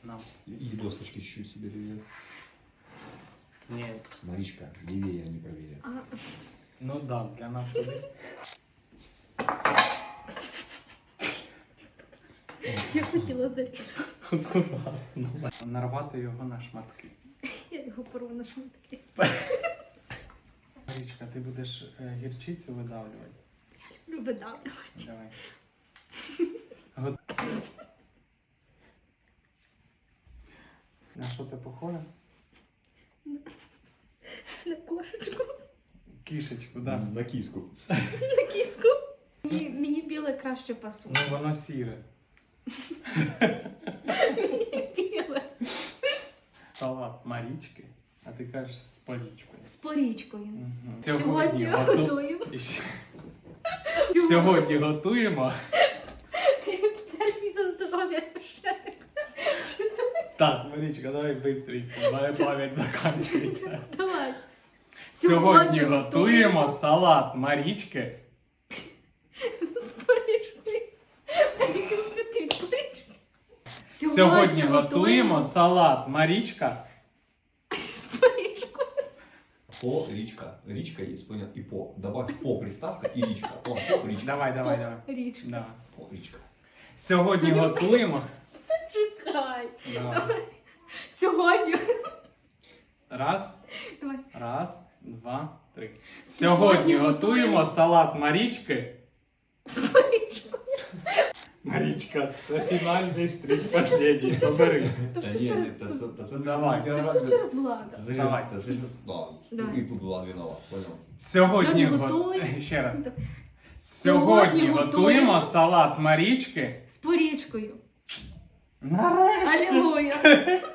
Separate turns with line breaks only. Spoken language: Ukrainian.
нам.
И досточки чуть-чуть себе левее.
Ні.
Маричка, левее, а не правее.
Ну да, для нас туди.
Я хотіла зарізати.
Акуратно. Нарвати його на шматки.
Я його порву на шматки.
Марічка, ти будеш гірчицю видавлювати?
Люблю видавлювати.
Давай. На що це похоже?
На кошечку.
Кішечку, да.
На киску.
На кіску. Мені біле краще пасує.
Ну воно сіре.
Мені біле.
Салат Марічки, а ти кажеш з полічкою.
З порічкою.
Мгм.
Сьогодні готуємо.
Сьогодні готуємо.
Церкві за здоров'я священника.
Так, Марічка, давай быстренько, моя пам'ять закінчується.
Давай.
Сьогодні готуємо салат Марічки.
З порічкою. Тільки не святи від порічки.
Сьогодні готуємо салат Марічка.
з порічкою.
По, речка. Речка есть, понял? И по. Добавь по приставка и речка. По, речка.
Давай.
Річка.
Да.
По, речка.
Сьогодні готуємо.
Чекай.
Давай.
Сьогодні.
Раз,
Давай.
раз, два, три. Сьогодні готуємо салат Марічки.
З порічкою.
Марічка, це фінальний штрих последній. Собери.
То
Да
що
не,
через...
Давай.
То що через влада.
Давай.
И тут была виноват, понял?
Сьогодні
готуй.
Ще раз.
Сьогодні
Сьогодні
готуємо
готуємо салат Марічки.
З порічкою.
Нарешті.
Алілуя.